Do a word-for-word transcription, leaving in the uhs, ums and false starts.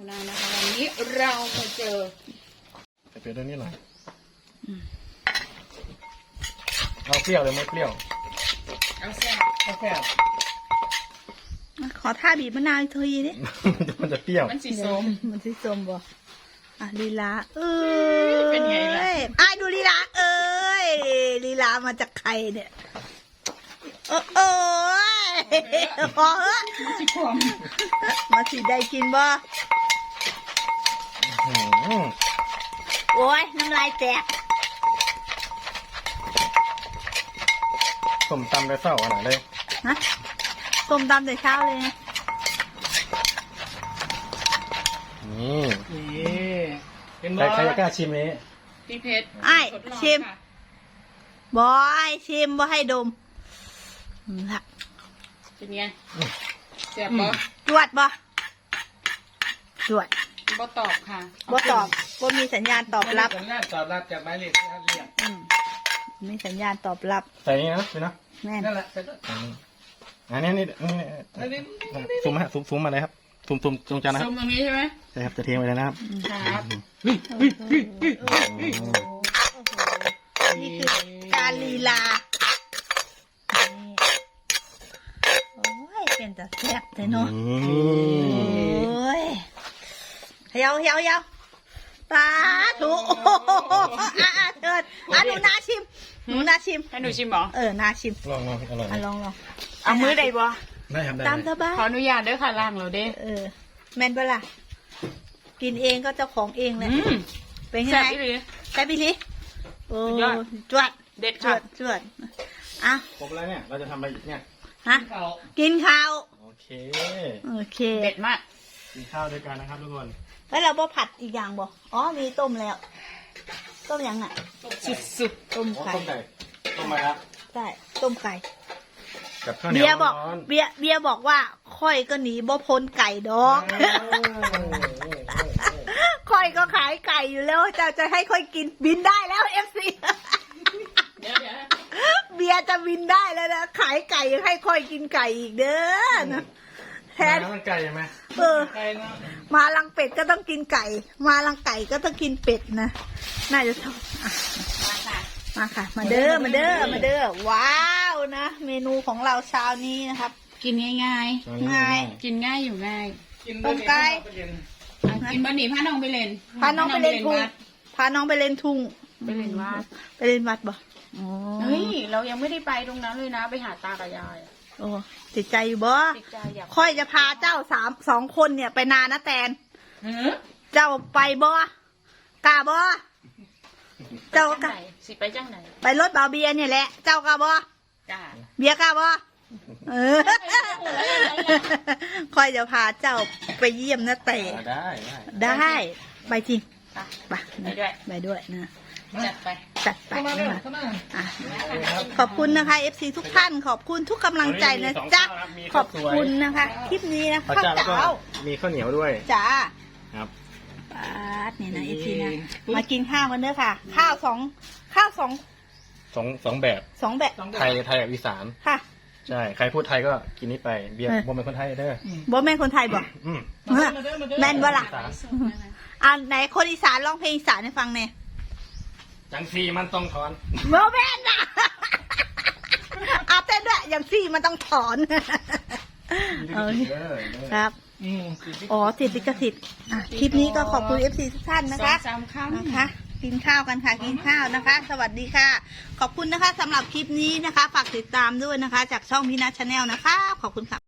นานะคะวันนี้เรามาเจอจะเป็นเรื่องนี้หน่อยเอาเปรี้ยวหรือไม่เปรี้ยวเอาแซ่บเอาแซ่บขอท่าบีบมะนาวอีกทีดิมันจะเปรี้ยวมันสีส้มมันสีส้มบ่อ่ะลีลาเอ้ยเป็นไงล่ะไอ้ดูลีลาเอ้ยลีลามาจากใครเนี่ยเออเออพอเออมาสิขวมมาสิได้กินบ่โอ้ยน้ำลายแตกส้มตำได้เศร้าขนาดเลยฮะส้มตำแต่เช้าเลยนะนี่เป็นบใครใครจะกล้าชิมนี้พี่เพชรไอ้ชิมบอยชิมบ่ให้ดมละเป็นไงเสียบบ่จวดบ่จวดบ่ตอบค่ะบ่ตอบบ่มีสัญญาณตอบรับสัญญาณตอบรับจากหมายเลขที่ท่านเรียกมีสัญญาณตอบรับใส่นี่นะพี่นะแม่นั่นแหละอันนี้นี่นี่ซูมฮะซูมซูมมาเลยครับซูมซูมตรงจานนะครับซูมตรงนี้ใช่ไหมใช่ครับจะเทไปเลยนะครับครับนี่คือการลีลาโอ้ยเป็นแต่แซ่บเลยเนาะโอ้ยเฮียวเฮียวเฮียวตาถูอ่ะอ่ะเถิดอ่ะหนูนาชิมหนูนาชิมให้หนูชิมหรอเออนาชิมลองลองอร่อยอ่ะลองลองเอามือใดบ่ได้ครับได้ตามสบายขออนุญาตด้วยค่ะล่างเราเด้เออแม่นเปล่ากินเองก็เจ้าของเองแหละเป็นไงแซ่บอีหลีแซ่บอีหลีโอ้จวดเด็ดจวดจวดอ่ะครบแล้วเนี่ยเราจะทำอะไรอีกเนี่ยฮะกินข้าวโอเคโอเคเด็ดมากกินข้าวด้วยกันนะครับทุกคนแล้วเราบ่ผัดอีกอย่างบ่อ๋อมีต้มแล้วต้มยังอ่ะสุดๆต้มไก่ต้มไก่ต้มมาครับใช่ต้มไก่กับข้าวเหนียวเบียบอกเบียเบียบอกว่าค่อยก็หนีบ่พ้นไก่ดอกค่อยก็ขายไก่อยู่แล้วจะจะให้ค่อยกินบินได้แล้วเอฟซีเบียจะบินได้แล้วนะขายไก่ยังให้ค่อยกินไก่อีกเด้อนะแทนมาลังไก่ไหมเออมาลังเป็ดก็ต้องกินไก่ มาลังไก่ก็ต้องกินเป็ดนะน่าจะชอบมาค่ะมาค่ะมาเด้อมาเด้อมาเด้อว้าวนะเมนูของเราเช้านี้นะครับกินง่ายง่ายง่ายกินง่ายอยู่ง่ายต้มไก่กินบะหมี่พาน้องไปเล่นพาน้องไปเล่นทุ่งพาน้องไปเล่นทุ่งไปเล่นวัดไปเล่นวัดบ่เฮ้ยเรายังไม่ได้ไปตรงนั้นเลยนะไปหาตากับยายโอ้ติดใจอยู่บ่ค่อยจะพาเจ้าสามสองคนเนี่ยไปนานะแตนเจ้าไปบ่กล้าบ่เจ้ากล้าสิไปจังไหนไปรถเบาเบียเนี่ยแหละเจ้ากล้าบ่กล้าเบียกล้าบ่เออค่อยจะพาเจ้าไปเยี่ยมนะแต่ได้ได้ไปจริงไปไปด้วยไปด้วยนะจัดไปจัดไปนะคะขอบคุณนะคะ เอฟ ซี ทุกท่านขอบคุณทุกกำลังใจนะจ๊ะขอบคุณนะคะคลิปนี้นะข้าวเจ้ามีข้าวเหนียวด้วยจ้าครับปาดเนี่ยนะ เอฟ ซี นะมากินข้าวกันเด้อค่ะข้าวสองข้าวสองสองสองแบบสองแบบไทยไทยกับอีสานค่ะใช่ใครพูดไทยก็กินนี้ไปเบียร์บ่เป็นคนไทยเด้อบ่แม่คนไทยบ่แม่นบ่ล่ะอ่าไหนคนอีสานร้องเพลงอีสานให้ฟังเนี่ยจังซีมันต้องถอนโมเมนต์นะอาเต้นด้วยอย่างซี่มันต้องถอนครับอ๋อติดลิขสิทธิ์คลิปนี้ก็ขอบคุณ เอฟ ซี ทุกท่านนะคะนะคะกินข้าวกันค่ะกินข้าวนะคะ สวัสดีค่ะขอบคุณนะคะสำหรับคลิปนี้นะคะฝากติดตามด้วยนะคะจากช่องพี่นัทชาแนลนะคะขอบคุณค่ะ